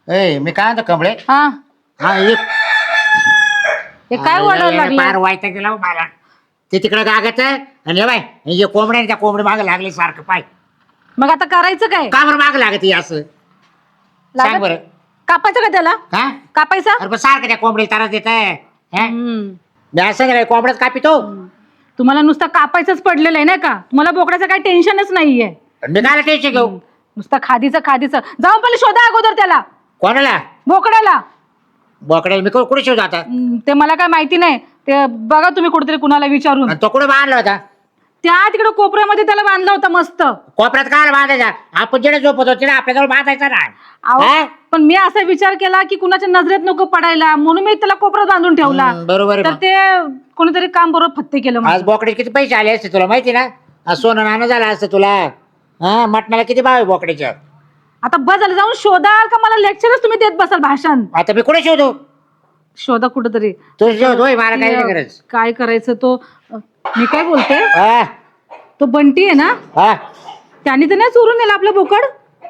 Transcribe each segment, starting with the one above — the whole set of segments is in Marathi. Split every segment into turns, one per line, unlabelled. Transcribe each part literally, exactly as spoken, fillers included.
ए मी काय म्हणतो कमळे
हा
हा एक
हे काय ओरडायला लागले
फार वाईट गेला हो मला ते तिकडे गागत आणि हे बाय हे कोंबड्या त्या कोंबडी मागे लागले सारखं पाय
मग आता करायचं काय
का बरं माग लागत हे असं सांग
लागत-
बरं
कापायचं का त्याला
हा
कापायचा
अरे पण सारखं त्या कोंबडी त्रास देत आहे
हम्म.
मी असं काय कोंबड्याच कापितो
तुम्हाला नुसतं कापायचंच पडलेलं आहे ना का तुम्हाला बोकड्याचं काही टेन्शनच नाहीये
मी काय टेन्शन घेऊ
नुसतं खादीचं खादीचं जाऊन पहिले शोधा अगोदर त्याला
कोणाला
बोकड्याला
बोकड्याला मी कुठे शिवतो आता
हम्म, ते मला काय माहिती नाही ते बघा तुम्ही कुठेतरी कुणाला विचारून
आणि तो कुठे बांधला होता
त्या तिकडे कोपऱ्यामध्ये त्याला बांधला होता मस्त
कोपऱ्यात काय बांधायचा आपण जिकडे झोपतो तिकडे आपल्याजवळ बांधायचा ना
अहो,
हा?
पण मी असा विचार केला की कुणाच्या नजरेत नको पडायला म्हणून मी त्याला कोपऱ्यात बांधून ठेवला
हम्म, बरोबर आहे
तर
मग.
ते कोणीतरी काम बरोबर फत्ते केलं
आज
माझं.
बोकडे किती पैसे आले असते तुला माहिती ना आज सोनं नाणं झालं असतं तुला हा मटणाला किती भाव आहे बोकड्याच्या
आता बस झालं जाऊन शोधाल का मला लेक्चरच तुम्ही देत बसाल भाषण
आता मी कुठे शोधू
शोधा कुठेतरी
तू शोधोय मला काही नाही गरज
काय करायचं तो मी काय बोलते
हा
तो बंटी आहे ना
हा
त्याने तर नाही चोरून नेला आपलं बोकड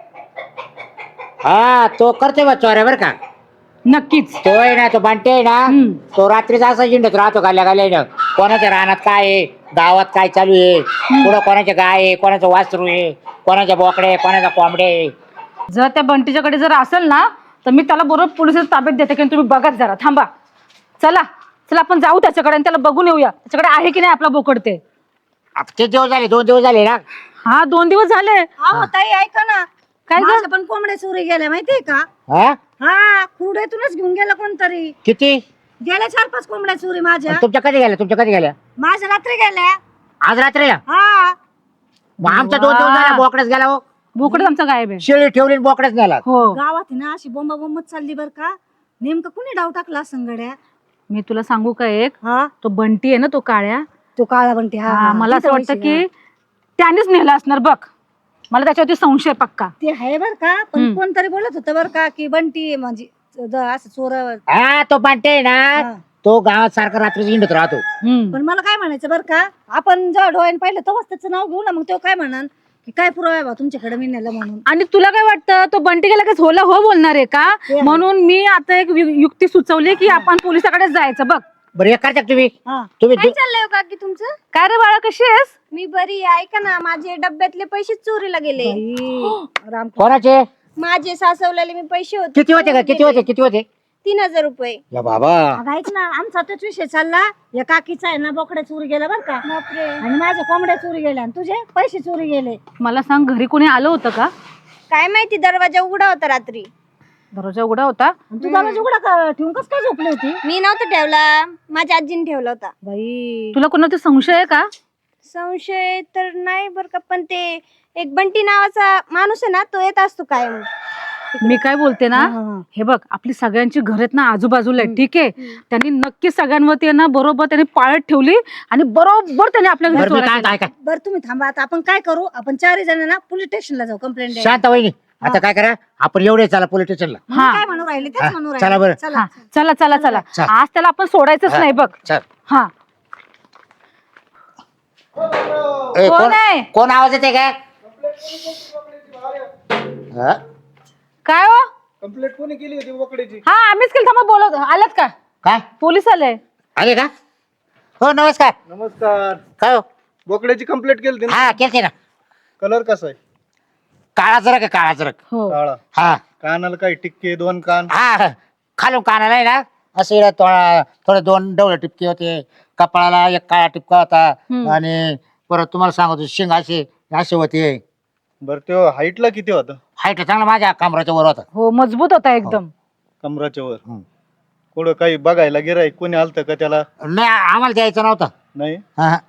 हा तो करतोय बा चोऱ्या बरं का
नक्कीच
तो आहे ना तो बांटे आहे ना
हम्म.
तो रात्रीचा असा जिंडत राहतो गाल्या गाल्या कोणाच्या रानात काय आहे गावात काय चालू आहे पुढं कोणाच्या गाय आहे कोणाचं वासरू आहे कोणाच्या बोकडे आहे, कोणाचा कोंबडे आहे.
जर त्या बंटीच्याकडे जर असेल ना तर मी त्याला बरोबर पोलिसात ताब्यात देते की तुम्ही बघत जरा थांबा चला चला आपण जाऊ त्याच्याकडे आणि त्याला बघून येऊया त्याच्याकडे आहे की नाही आपला बोकड ते
आता किती दिवस झाले दोन दिवस झाले ना
हा दोन दिवस झाले
अहो ताई ऐका ना
काय ग?
माझ्या पण कोंबड्या चोरी गेल्या माहितीये का
हा
हा खुर्ड्यातूनच घेऊन गेला कोणतरी
किती
गेल्या चार पाच कोंबड्या चोरी माझ्या
आणि तुमच्या कधी गेल्या तुमच्या कधी गेल्या
माझ्या रात्री गेल्या
आज रात्रीला
हा
मग आमच्या दोन दिवस झाला बोकड्याच गेला हो
बोकड आमचा गायब आहे
शेळी ठेवली आणि बोकड्याच नेला
हो
गावात आहे ना अशी बोंबा बोंबच चालली बर का नेमकं कुणी डाव टाकला संगड्या
मी तुला सांगू का एक
हा
तो बंटी आहे ना तो काळ्या
तो काळा बनते हा
हा, मला असं
तिथं
वाटतं
पैसे,
की त्यानेच नेला असणार बघ मला त्याच्यावरती संशय पक्का
हा. ते आहे बर का पण
हम्म.
कोणतरी बोलत होतं बर का की बंटी म्हणजे ज- असं चोरावर
हा तो बांटे आहे ना
हा.
तो गावात सारखा रात्री हिंडत राहतो
हम्म.
पण मला काय म्हणायचं बर का आपण जेव्हा डोळ्याने पाहिलं तेव्हाच त्याचं नाव घेऊ ना मग तो काय म्हणाल की काय पुरावा आहे बा तुमच्याकडे मी नेलं म्हणून
आणि तुला काय वाटतं तो बंटी गेला की होला हो बोलणार आहे का
आहे.
म्हणून मी आता एक यु- युक्ती सुचवली की आपण पोलिसाकडे जायचं बघ
बरं एक करता का तुम्ही
हा
तुम्ही
काय चाललंय हो काकी तुमचं
काय रे बाळा कशी आहेस
मी बरी आहे. ऐका ना माझे डब्यातले पैसे चोरीला गेले
बाई, राम
कोणाचे
माझे सासवलेले मी पैसे होते
किती होते का किती होते किती होते
तीन हजार रुपये
या बाबा
अगं ऐक ना आमचा तोच विषय चालला या काकीचा आहे ना बोकड्या चोरी गेला बर का
बापरे
आणि माझ्या कोंबड्या चोरी गेल्या आणि तुझे पैसे चोरी गेले
मला सांग घरी कोणी आलं होतं का
काय माहिती दरवाजा उघडा होता रात्री
दरवाजा उघडा होता
आणि तू दरवाजा उघडा का- ठेवून कस काय झोपली होती
मी नव्हता ठेवला माझ्या आजीने ठेवला होता
बाई
तुला कोणाचा संशय आहे का
संशय तर नाही बर का पण ते एक बंटी नावाचा माणूस आहे ना तो येत असतो कायम
मी काय बोलते ना
हा, हा.
हे बघ आपली सगळ्यांची घर आहेत ना आजूबाजूला आहेत ठीक आहे त्यांनी नक्की सगळ्यांवरती आहे ना बरोबर त्यांनी पाळत ठेवली आणि बरोबर त्यांनी आपल्या घरी
बरं मी
चोऱ्या
काय
केल्या.
काय काय
बरं तुम्ही थांबा आता आपण काय करू आपण चारही जण ना पोलीस स्टेशनला जाऊ कंप्लेंट
शांत वहिनी आता काय करा आपण एवढे चला पोलीस स्टेशनला
हा.
काय म्हणू राहिले
हा,
तेच म्हणू
चला
राहिले
बरं.
चला
हा, चला चला चला
चल.
आज त्याला आपण सोडायचंच
हा.
नाही बघ
चल
हा
ए,
कोण
कोण
आहे?
कोण आवाज येते काय हा?
काय हो
कंप्लेंट कोणी केली होती बोकड्याची?
हा आम्हीच केलं थांबा बोलत आलात का
काय
पोलीस आले
आले का हो नमस्कार
नमस्कार.
काय हो
बोकड्याची कंप्लेंट केली होती ना?
हा केलते ना
कलर कसा आहे?
काळा जरक आहे काळा जरक
हो
काळा.
हा
कानाला काही टिक्के दोन कान.
हा खालून कानाला आहे ना असं इकडं थोडा थोडे दोन डवळे टिपके होते कपाळाला एक काळा टिपका होता
हम्म.
आणि परत तुम्हाला सांगतो शिंग असे असे होते
बर तो हाईटला किती होता?
हाईट चांगला माझ्या कमराच्या वर होता
हो मजबूत होता एकदम
कमराच्या वर.
हम्म.
कुठं काही बघायला गिराय कोणी आलतं का त्याला?
नाही आम्हाला द्यायचं नव्हतं
नाही.
हा हा.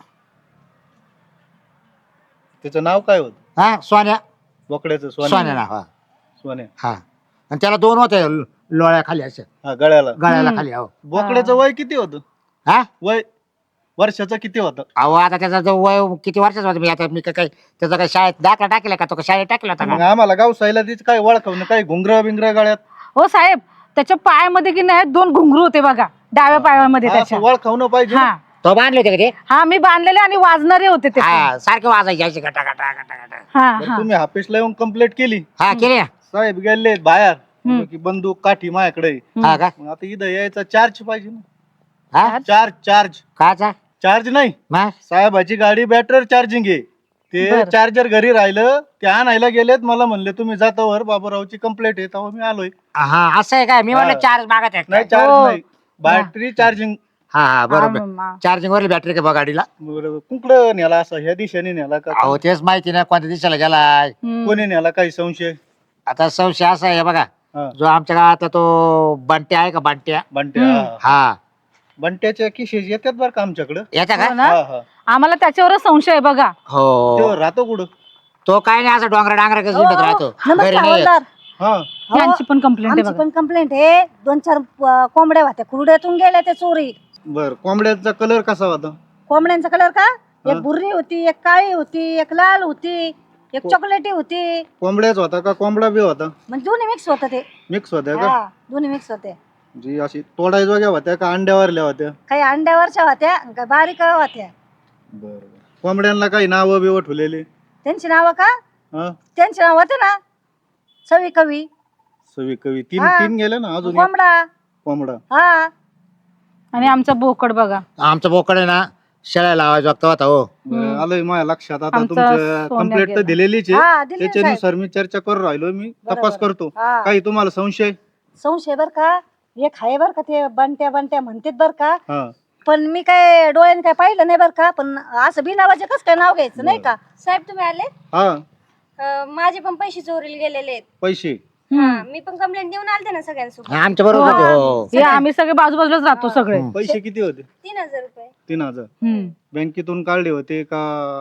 त्याचं नाव काय होत?
हा सोन्या
बोकड्याचं
सोन्या
सोन्या.
ना हा
सोन्या.
हा आणि त्याला दोन होते ल- लोळ्या खाली असे
हा गळ्याला.
गळ्याला
हम्म.
खाली हो
बोकड्याचं वय किती होतं?
हा
वय वर्षाचं किती होतं?
अहो आता त्याचा जो वय किती वर्षाचा होता मी आता मी काय काय त्याचा काय शाळेत दाखला टाकला का तो का शाळेत टाकला होता
मग
का
आम्हाला गाव साईला तीच काय ओळखवणं काही घुंगर बिंगर गळ्यात
हो साहेब त्याच्या पायामध्ये की नाही दोन घुंगरू होते बघा डाव्या पायामध्ये
हा,
त्याच्या
असं ओळखवणं पाहिजे ना.
हा
तो बांधले होते का ते
हा मी बांधलेले आणि वाजणारे होते ते
हा सारखे वाजायचे असे गटा गटा गटा गटा
हा
बरं,
हा
तुम्ही ऑफिसला येऊन कंप्लेंट केली.
हा केले ना
साहेब गेले बाहेर
हम्म.
की बंदूक काठी माझ्याकडे आहे.
हा का
मग आता इथं यायचा चार्ज पाहिजे ना.
हा
चार्ज चार्ज
काचा
चार्ज नाही,
मग
साहेबाची गाडी बॅटरी चार्जिंग आहे. ते
बरं.
चार्जर घरी राहिलं, ते आणायला गेलेत. मला म्हणले तुम्ही जातावर बाबूरावची कंप्लेंट आहे, तेव्हा मी आलोय.
हा असं आहे काय मी म्हणलं
हा.
चार्ज मागत आहे
नाही
काय?
चार्ज
हो.
नाही, बॅटरी चार्जिंग.
हा हा बरोबर
हा, मा-
चार्जिंग वरली बॅटरी का बा गाडीला
कुठं नेला असं, ह्या दिशेने नेला का
अहो तेच माहिती नाही कोणत्या दिशेला गेलाय.
हम्म.
कोणी नेला, काही संशय?
आता संशय असा आहे बघा,
हा.
जो आमच्या गावातला तो बंट्या आहे का बंट्या
बंट्या
हम्म.
हा.
हा
बंट्याच्या किशेस येतात बरं का आमच्याकडं.
याचा
हो
का
ना?
हा हा.
आम्हाला त्याच्यावरच संशय आहे बघा.
हो
तो राहतो कुठं?
तो काय नाही असं डोंगरा डांगरा कसं
हो,
हिंडत
हो.
राहतो घरी
नमस्कार
नाही येत.
हवालदार.
हा
हो,
यांची पण कंप्लेंट आहे
आमची
बघा.
पण कंप्लेंट आहे. दोन चार अं, कोंबड्या होत्या, कुरड्यातून गेल्या त्या चोरी.
बर, कोंबड्याचा कलर कसा होता?
कोंबड्यांचा कलर का?
हा.
एक भुर्री होती, एक काळी होती, एक लाल होती, एक
को-
चॉकलेटी होती.
कोंबड्याच होता का कोंबडा बी होता?
म्हणजे दोन्ही मिक्स होतं ते.
मिक्स होत्या का?
हा, दोन्ही मिक्स होते.
जी अशी तोडायजोग्या होत्या का अंड्यावरल्या होत्या?
काही अंड्यावरच्या होत्या, काही बारीक होत्या.
बर, कोंबड्यांना काही नावं बिवं ठेवलेली?
त्यांची नावं का?
हा,
त्यांची नाव होते ना, सवी कवी,
सवी कवी. तीन
हा.
तीन गेले ना, अजून एक
कोंबडा.
कोंबडा.
हा,
आणि आमचा बोकड बघा.
आमचं बोकड आहे ना शेळ्या लावायचा वक्त होता हो.
बरं, आलंय माझ्या लक्षात. आता
आमचा
तुमचं
सोन्या
कंप्लेंट तर
गेला.
दिलेलीच आहे.
हा, दिली ना साहेब.
त्याच्यानुसार मी चर्चा करून राहिलो, मी तपास
बरोबर.
करतो.
हा.
काही तुम्हाला संशय?
संशय बर का, एक आहे बर का, ते बंट्या बंट्या म्हणतात बर का.
हा,
पण मी काय डोळ्याने काय पाहिलं नाही बर का. पण असं बिनावाचे कसं काय नाव घ्यायचं नाही का.
साहेब तुम्ही आले
हा.
अं, माझे पण पैसे चोरीला गेलेले आहेत.
पैसे?
हा, मी पण कंप्लेंट देऊन आलते ना सगळ्यांसोबत.
आमच्या बरोबर होते हो.
हे आम्ही सगळे बाजूबाजूलाच राहतो सगळे.
हम्म.
पैसे किती होते?
तीन हजार रुपये
तीन हजार.
हम्म.
बँकेतून काढले होते का?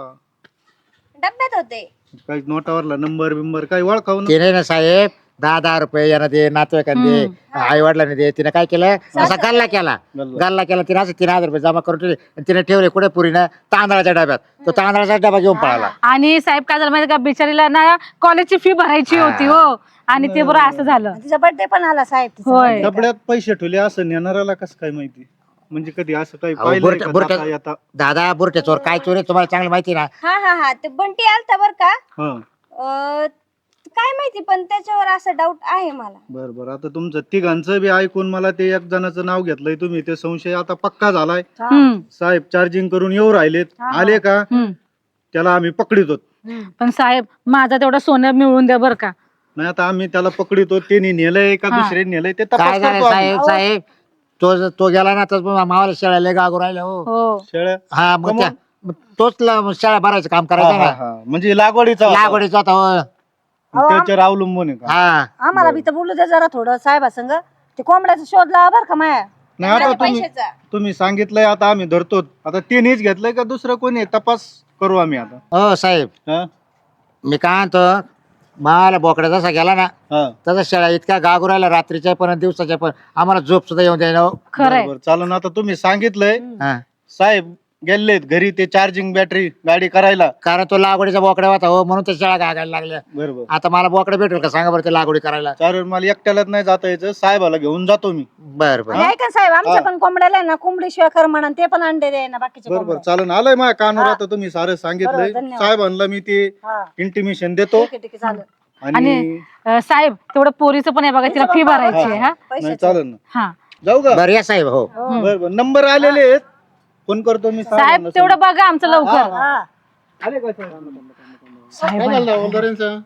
डब्यात होते.
काही नोटावरला नंबर बिंबर काही ओळखावं?
ते नाही ना साहेब दहा दहा रुपये यांना दे नातेवाईकांना दे आई वडिलांनी दे. तिने काय केलं असा गल्ला केला
गल्ला.
गल्ला केला तिने असं तीन हजार रुपये जमा करून ठेवले आणि तिने ठेवले कुठे पुरीनं तांदळाच्या डब्यात. तो तांदळाचा डबा घेऊन पळाला.
आणि साहेब काय झालं माहिती का, बिचारीला ना कॉलेजची फी भरायची होती हो. आणि ते बरं असं झालं.
तिचा बर्थडे पण आला साहेब तिचा
होय.
birthday.
डबड्यात पैसे ठेवले असं नेणाऱ्याला कसं काय माहिती? म्हणजे कधी असं काही
अहो,
पाहिलंय
बुरट्या-
का
बुरट्या-
जाता येता?
दादा बुरटे चोर काय चोर आहे तुम्हाला चांगलं माहिती ना.
हा हा हा ते बंटी आलता बर का.
हा,
अं, काय माहिती पण त्याच्यावर असं डाऊट आहे मला.
बर बर. आता तुमचं तिघांचं बी ऐकून मला ते एक जणाचं नाव घेतलंय तुम्ही, ते संशय आता पक्का झालाय.
हा.
हम्म.
साहेब चार्जिंग करून येऊ राहिलेत.
हा.
आले का
हम्म.
त्याला आम्ही पकडितो.
पण साहेब माझा तेवढा सोनं मिळवून द्या बरं का.
नाही आता आम्ही त्याला पकडितो. त्यांनी नेलंय का
हा.
दुसरे नेलंय ते
काय
तपास
झालं
करतो आम्ही.
साहेब साहेब तो ज- तो गेला ना तर मावाला शेळ्या गागू राहिल्या हो.
हो.
शेळ्या?
हा मग
कमून?
त्या- मग तोच ल- शेळ्या भरायचं काम
हा,
करायचं
हा,
ना.
हा. म्हणजे लागवडीचा होता.
लागवडीचा होता हो.
अहो,
त्याच्यावर अवलंबून आहे का?
हा
आम्हाला बी तर बोलू दे जरा थोडं साहेबा संग. ते कोंबड्याचा शोध लावा बर का माया.
नाही आता
आणि
तुम्ही
पैशाचा
तुम्ही सांगितलंय, आता आम्ही धरतो. आता त्यांनीच घेतलंय का दुसरं कोणी आहे? तपास करू आम्ही आता.
हो साहेब
हा?
मी काय म्हणतो मला बोकडा जसा गेला ना
हा.
तसा शेळ्या इतक्या गागू राहिल्या रात्रीच्या पण आणि दिवसाच्या पण आम्हाला झोप सुद्धा येऊन द्यायला हो.
खरंय.
बरोबर, चालेल ना. आता तुम्ही सांगितलंय
हा.
साहेब गेलेत घरी ते चार्जिंग बॅटरी गाडी करायला.
कारण तो लागवडीचा बोकडा होता हो म्हणून त्या शेळ्या गागायला लागल्या.
बरोबर,
आता मला बोकडा भेटेल का सांगा बरं ते लागवडी करायला.
चालेल. मला एकट्यालाच नाही जाता यायचं, साहेबाला घेऊन जातो मी.
बर बर
आणि ऐका ना साहेब, आमच्या
हा.
पण कोंबड्याला आहे ना कोंबडी शिवाय कर म्हणा, ते पण अंडे दे ना बाकीचे
बरोबर,
कोंबड्या.
चालेल. आलंय माझ्या कानावर.
हा.
आता तुम्ही सारं सांगितलंय.
बरोबर, धन्यवाद.
साहेबांना मी ते
हा,
इंटिमेशन देतो.
ठीक आहे ठीक आहे चालेल.
आणि
आणि अं, साहेब तेवढं पोरीचं पण आहे बघा, तिला फी भरायची आहे हा.
नाही
पैशाचं.
चालेल ना.
हा
जाऊ का?
बर या साहेब हो.
हो.
बरोबर, नंबर आलेले आहेत. फोन करतो मी
साहेब
साहेबांना.
तेवढं बघा आमचं लवकर.
हा.
आले का साहेब?
साहेब
काय झालं हवालदारांचं?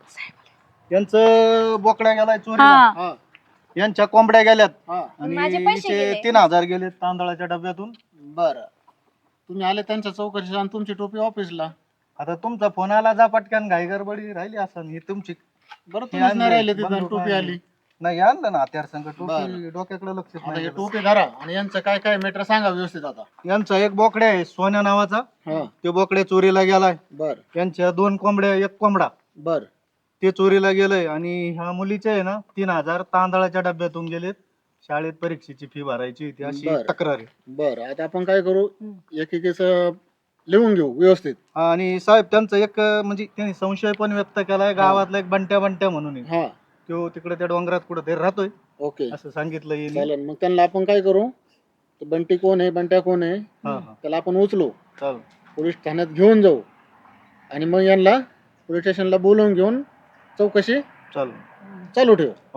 यांचं बोकड्या गेलाय चोरीला.
हा.
यांच्या कोंबड्या गेल्यात
माझे
आणि
पैसे
हिचे
गेले.
तीन हजार गेले तांदळाच्या डब्यातून.
बरं तुम्ही आले त्यांच्या चौकशी आणि तुमची टोपी ऑफिसला.
आता तुमचा फोन आला, जा पटकन, घाई गडबडी राहिली असं. ही तुमची
बरं
हे
तुम्हीच नाही राहिले
आणलंय,
तिथं
बंदूक
टोपी
आणली.
आली.
नाही आणलं ना हत्यार संघ. टोपी
बरं.
डोक्याकडे लक्ष
आता
नाही
हे
गेलं.
टोपी धरा आणि यांचं काय काय मेटर सांगा व्यवस्थित आता.
यांचा एक बोकड्या आहे सोन्या नावाचा.
हा
ते बोकड्या चोरीला गेलाय.
बर
यांच्या दोन कोंबड्या, एक कोंबडा
बर
ते चोरीला गेलंय. आणि ह्या मुलीचे आहे ना तीन हजार तांदळाच्या डब्यातून गेलेत. शाळेत परीक्षेची फी भरायची होती अशी
बरं.
तक्रार आहे.
बर आता आपण काय करू, एकेकीच लिहून घेऊ व्यवस्थित.
आणि साहेब त्यांचं एक अं, म्हणजे त्यांनी संशय पण व्यक्त केलाय. गावातला एक बंट्या बंट्या म्हणून आहे.
हा
तो तिकडे त्या डोंगरात कुठं तरी राहतोय
ओके
असं सांगितलं यांनी.
चालेल. मग त्यांना आपण काय करू, तो बंटी कोण आहे बंट्या कोण आहे
हा हा
त्याला आपण उचलू,
चालेल.
पोलीस ठाण्यात घेऊन जाऊ आणि मग यांना पोलीस स्टेशनला बोलवून घेऊन चौकशी
चालेल.
चालू ठेवू.
हो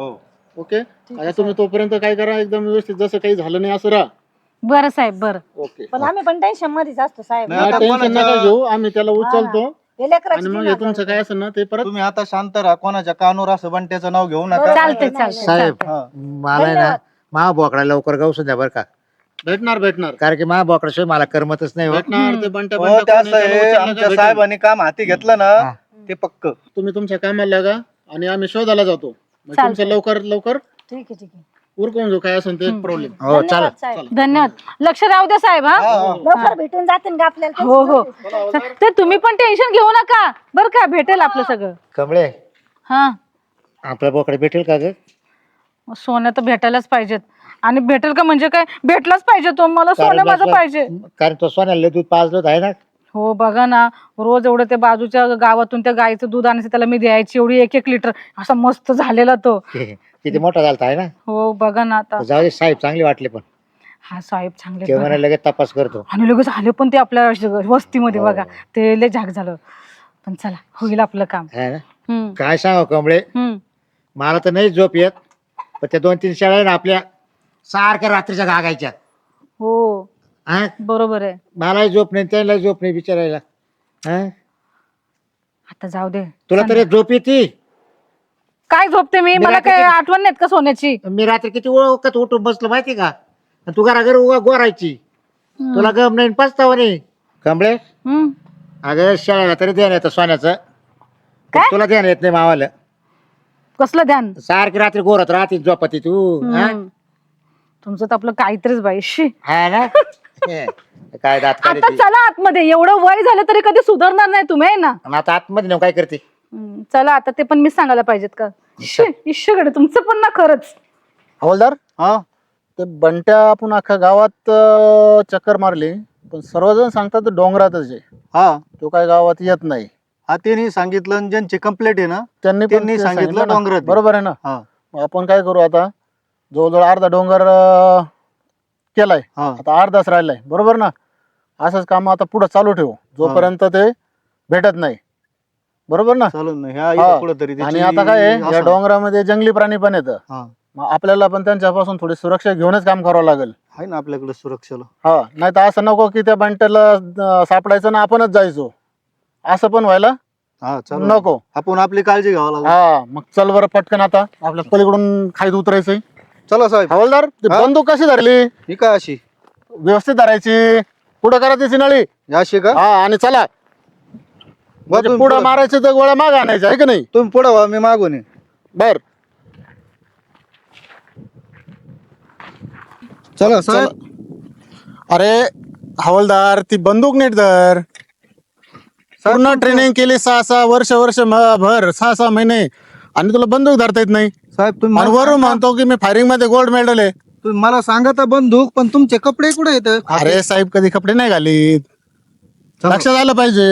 ओके आता तुम्ही तोपर्यंत काय करा एकदम व्यवस्थित जसं काही झालं नाही असं राहा.
बरं साहेब बरं.
ओके
पण आम्ही पण टेन्शन मध्येच असतो साहेब.
नाही, आता
टेन्शन
कोणाच्या-
नका घेऊ आम्ही त्याला उचलतो
हे लेकराची
आणि मग
तीन
हे
हजार
तुमचं काय असेल ना ते परत
तुम्ही आता शांत राहा, कोणाच्या कानूर असं बंट्याचं नाव घेऊ नका.
चालतंय चालतंय
साहेब
चालतंय.
हा.
मला आहे ना मा बोकडा लवकर गावसून द्या बरं का,
भेटणार भेटणार
कारण की मा बोकडाशिवाय मला करमतच नाही हो.
भेटणार ते बंट्या
हो,
बंट्या
ते
कोण
असं
आहे, त्याला
आहे,
उचललं का
आमच्या
भेटेल.
साहेबांनी काम हाती घेतलं ना
हा.
ते पक्क.
तुम्ही तुमच्या कामाला लागा आणि आम्ही शोधायला जातो मग
चालतंय.
तुमचं लवकर लवकर
ठीक आहे ठीक आहे.
उरकून घेऊ काय असेल ते प्रॉब्लेम.
हो चालेल.
धन्यवाद साहेब.
धन्यवाद. लक्ष राहू द्या साहेब. हा
हा, हा.
लवकर भेटून जातील का आपल्याला?
हो हो ते तुम्ही पण टेन्शन घेऊ नका बरं का, भेटेल आपलं सगळं.
कमळे
हा
आपल्या बोकडे भेटेल का ग?
सोनं तर भेटायलाच पाहिजेत. आणि भेटेल का म्हणजे काय, भेटलाच पाहिजे तो मला, सोनं
कारण
माझं
बस-
पाहिजे.
कारण तो सोन्याला दूध पाजलं आहे ना.
हो बघा ना, रोज एवढं ते बाजूच्या गावातून त्या गाईचं दूध आणायचं त्याला मी द्यायची, एवढी एक एक लिटर असा मस्त झालेला तो.
किती मोठा झालता आहे ना.
हो बघा ना आता.
जाऊ दे, साहेब चांगले वाटले पण
हा साहेब चांगले
ते
बघा.
म्हणे लगेच तपास करतो.
आणि लगेच आले पण ते आपल्या वस्तीमध्ये
हो.
बघा, ते लय झाक झालं. पण चला होईल आपलं काम.
है ना.
हम्म
काय सांगा कमळे,
हम्म
मला तर नाही झोप येत, पण त्या दोन तीन शाळा आहे ना आपल्या सारख्या रात्रीच्या गागायच्या.
हो
हा
बरोबर आहे.
मलाही झोप नाही, त्याला झोप नाही बिचारायला. हा
आता जाऊ दे.
तुला तरी झोप येते.
काय झोपते मी,
मी
मला
रात्री
काय
किती-
आठवण नाहीत का सोन्याची.
मी रात्री किती ओळखत उठून बसलो माहिती का, आणि तू घरा घर उगा गोरायची. तुला गम नाही पचताव नाही. कमळे
हम्म
अगं शाळेला तरी ध्यान येतं सोन्याचं, पण
काय?
तुला ध्यान येत नाही मावाला.
कसलं ध्यान.
सारखी रात्री गोरत राहते झोपती तू. हा?
हम्म. तुमचं तर आपलं काहीतरीच बाई शी.
हा ना. हे, काय दात
आता
काढते.
चला आतमध्ये, एवढं वय झालं तरी कधी सुधारणार नाही तुम्ही आहे ना.
आणि आता आतमध्ये नेऊन काय करते.
हम्म, चला आता ते पण मी सांगायला पाहिजेत का. इश्यकडे तुमचं पण ना खरंच.
हवालदार
हा
ते बंट्या आपण अख्ख्या गावात अं, चक्कर मारली पण सर्वजण सांगतात ते डोंगरातच आहे,
हा
तो काय गावात येत नाही.
हा त्यांनी सांगितलं आणि ज्यांची कंप्लेंट आहे ना
त्यांनी पण
त्यांनी
ते
सांगितलं
ना.
डोंगरात.
बरोबर आहे ना.
हा
मग आपण काय करू आता, जवळजवळ अर्धा डोंगर अं, केलाय,
हा
आता अर्धाच राहिलाय. बरोबर ना. असंच काम आता पुढे चालू ठेवू जोपर्यंत ते भेटत नाही. बरोबर ना.
चालू ना ह्या
हा.
इथं कुठंतरी
आणि
त्याची
आता काय आहे, या
असं-
डोंगरामध्ये जंगली प्राणी पण येतं.
हा
मग आपल्याला पण त्यांच्यापासून थोडी सुरक्षा घेऊनच काम करावं लागेल.
आहे ना आपल्याकडे सुरक्षेला.
हा नाही तर असं नको की त्या बंट्याला अं, सापडायचं ना आपणच जायचो, असं पण व्हायला
हा चालू
नको.
आपण आपली काळजी घ्यावं लागेल.
हा मग चल बरं पटकन आता आपल्या पलीकडून खाईत उतरायचंय.
चला साहेब.
हवालदार ती
हा?
बंदूक कशी धरली,
ही काय अशी
व्यवस्थित धरायची, पुढं करायची नळी.
ही अशी का
हा आणि चला
बरं, तुम्ही
पुढं
पुढं-
मारायचं तर गोळ्या माग आणायच्या आहे की नाही.
तुम्ही पुढे व्हा, मी मागून आहे.
बर
चला साहेब.
अरे हवालदार ती बंदूक नीट धर. पूर्ण ट्रेनिंग केली सहा सहा वर्ष वर्ष म- भर सहा सहा महिने आणि तुला बंदूक धरता येत नाही.
साहेब तुम्ही
आणि
मला
वरून
सांगा-
म्हणतो की मी फायरिंग मध्ये गोल्ड मेडल आहे.
तुम्ही मला सांगा तर बंदूक, पण तुमचे कपडे कुठे येत?
अरे साहेब कधी कपडे नाही घालीत, लक्षात आलं पाहिजे.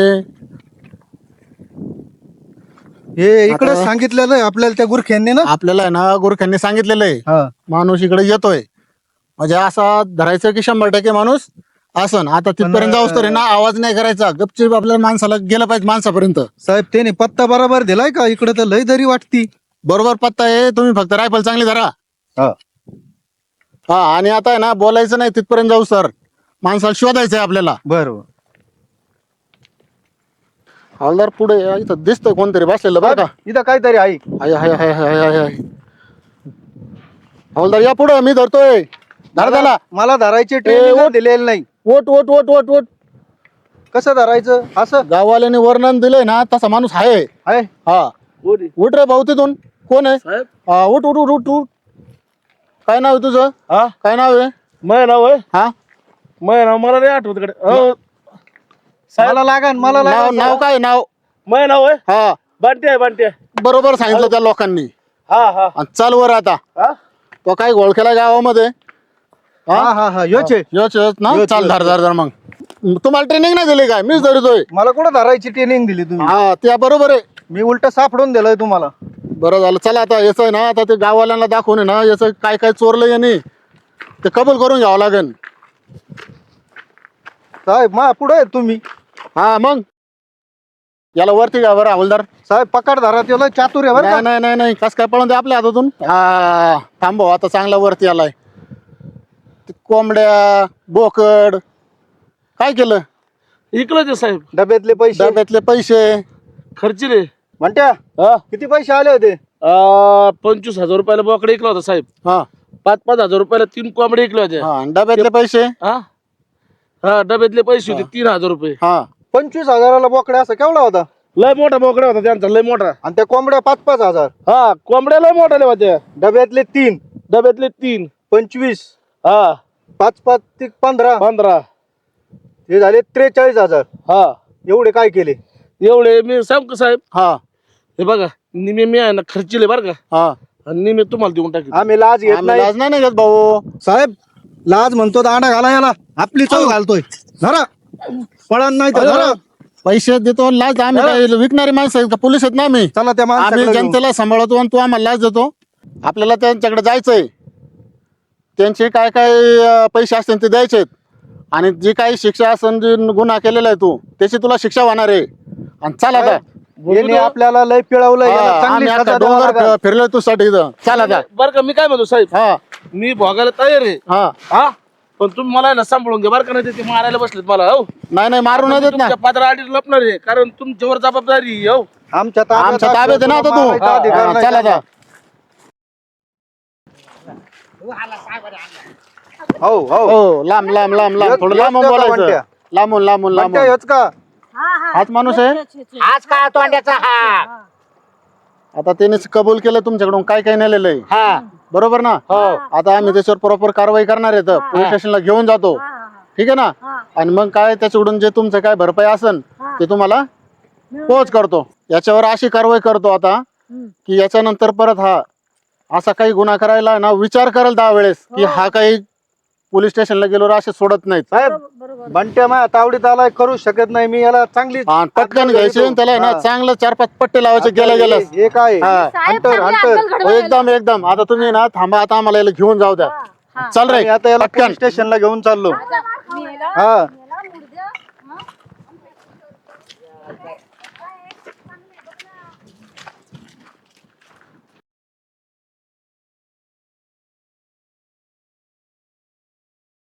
हे इकडे
आता-
सांगितलेलं आहे आपल्याला त्या गुरख्यांनी ना.
आपल्याला आहे ना गुरख्यांनी सांगितलेलं आहे
हा
माणूस इकडे येतोय म्हणजे असा धरायचं की शंभर टक्के माणूस असन. आता तिथपर्यंत जाऊस तर आहे ना आवाज नाही करायचा, गपचीप आपल्याला माणसाला गेलं पाहिजे माणसापर्यंत.
साहेब त्याने पत्ता बरोबर दिलाय का? इकडे तर लय दरी वाटती.
बरोबर पत्ता आहे, तुम्ही फक्त रायफल चांगली धरा.
हा
हा आणि आता आहे ना बोलायचं नाही तिथपर्यंत जाऊ सर, माणसाला शोधायचं आहे आपल्याला.
बरोबर.
हवालदार पुढे या, इथं दिसतंय कोणतरी बसलेलं बरं का.
इथं काहीतरी आहे.
हाय हाय हाय हाय हाय हाय. हवालदार या पुढे, मी धरतोय. धर त्याला.
मला धरायची
ए,
ट्रेनिंग
ओट.
दिलेली नाही.
ओट ओट ओट ओट ओट.
कसं धरायचं असं
गाववाल्याने वर्णन दिलंय ना तसा माणूस आहे.
आहे.
हा उठ रे भाऊ तिथून. कोण आहे? हा उठ उठ उठ उठ उठ. काय नाव आहे तुझं?
हा
काय नाव आहे?
मय नाव आहे
हा
मय नाव मला नाही आठवत कडे
मला लागा मला
नाव
लागा
नाव काय नाव?
मय नाव आहे
हा
बंटे आहे बंटे.
बरोबर सांगितलं त्या लोकांनी.
हा हा
आणि चाल वर आता.
हा
तो काय ओळखेला गावामध्ये.
हा हा हा योच आहे.
योच योच ना.
योच,
चाल
योच,
धर धर धर. मग तुम्हाला ट्रेनिंग नाही दिली काय? मीच धरतोय.
मला कुठं धरायची ट्रेनिंग दिली तुम्ही?
हा त्या बरोबर आहे.
मी उलट सापडून दिलंय तुम्हाला.
बरं झालं. चला आता याचं आहे ना आता ते गाववाल्यांना दाखवून आहे ना याचं काय काय चोरलं याने ते कबूल करून घ्यावं लागेल.
साहेब मा पुढे तुम्ही.
हा मग याला वरती घ्या बरं हवालदार.
साहेब पकड धरा त्याला चातुर आहे बरं
नाही
का?
नाही नाही नाही कस काय पळून दे आपल्या हातातून. हा थांबव आता चांगला वरती आलाय. ते कोंबड्या बोकड काय केलं?
इकलं ते साहेब
डब्यातले पैसे
डब्यातले पैसे
खर्चिले
म्हणत्या
हा
किती पैसे आले होते?
अं, पंचवीस हजार रुपयाला बोकडे इकला होता साहेब.
हा
पाच पाच हजार रुपयाला तीन कोंबडे इकले होते.
हा आणि डब्यातले पैसे
हा हा डब्यातले पैसे होते तीन हजार रुपये.
हा
पंचवीस हजाराला बोकड्या असं केवढा होता?
लय मोठा बोकडा होता त्यांचा, लय मोठा.
आणि त्या कोंबड्या पाच पाच हजार,
हा कोंबड्या लय मोठ्या होत्या.
डब्यातले तीन,
डब्यातले तीन
पंचवीस,
हा
पाच पाच ते पंधरा,
पंधरा
हे झाले त्रेचाळीस हजार.
हा
एवढे काय केले?
एवढे मी सांग का साहेब,
हा
हे बघा निमे मी आहे ना खर्चिले बरं का,
हा
आणि निमे तुम्हाला देऊन टाकी.
आम्ही लाज घेत
आम्ही
नाही
लाज नाही घेत भाऊ.
साहेब. लाज म्हणतो दांडा घाला याला, आपली चव घालतोय. धरा पळण नाही तर धरा.
पैसे देतो लाज. आम्ही काय विकणारी माणसं आहेत का? पोलीस आहेत ना आम्ही.
चला त्या
आम्ही
माणसाकडे घेऊन.
जनतेला सांभाळतो आणि तू आम्हाला लाच देतो. आपल्याला त्यांच्याकडे जायचंय, त्यांचे काय काय अं, पैसे असतील ते द्यायचे आणि जी काही शिक्षा असेल, जी गुन्हा केलेला आहे तू त्याची तुला शिक्षा होणार आहे. आणि चल आता.
यांनी आपल्याला लय पिळवलं, याला
हा,
चांगली
आम्ही
सजा
आता
द्यावं
डोंगर
लागेल.
फिरलो तू साठी इथं. चल आता.
बरं का मी काय म्हणतो साहेब,
हा
मी भोगायला तयार आहे.
हा
हा पण तुम्ही मला आहे ना सांभाळून घ्या बरं का, नाही ते मारायला बसलेत मला. हो
नाही नाही मारू नाही देत ना.
तुमच्या पात्र आडी लपणार आहे, कारण तुमच्यावर जबाबदारी आहे, हो.
आमच्या ताब्यात
आमच्या ताब्यात आहे ना आता तू.
मारायचा अधिकार
हा,
नाही
चल आता.
हो हो
हो लांब लांब लांब लांब
एक-
थोडं
एक
लांबून
का
बोलायचं.
म्हणत्या?
लांबून लांबून
म्हणत्या
लांबून.
हेच का?
हाच माणूस आहे.
आज का तोंड्याचा हा
आता त्याने कबूल केलं तुमच्याकडून काय काय नेलेलं आहे.
हा
बरोबर ना? आता आम्ही त्याच्यावर प्रॉपर कारवाई करणार आहे. पोलीस स्टेशनला घेऊन जातो. ठीक आहे ना? आणि मग काय त्याच्याकडून जे तुमचं काय भरपाई असेल ते तुम्हाला पोच करतो. याच्यावर अशी कारवाई करतो आता की याच्यानंतर परत हा असा काही गुन्हा करायला ना विचार करेल दहा वेळेस की हा काही पोलीस स्टेशनला गेल्यावर असे सोडत नाहीत.
साहेब बंट्या माझ्या तावडीत आलाय, करू शकत नाही मी याला. चांगली
हा, पटकन घ्यायचे आणि त्याला आहे ना चांगलं चार पाच पट्टे लावायचे गेल्या गेल्या.
हे काय
हा.
Hunter hunter.
एकदम एकदम. आता तुम्ही ना थांबा, आता आम्हाला याला घेऊन जाऊ द्या. चल रे
आणि आता याला
पटकन.
पोलीस स्टेशनला घेऊन चाललो. हा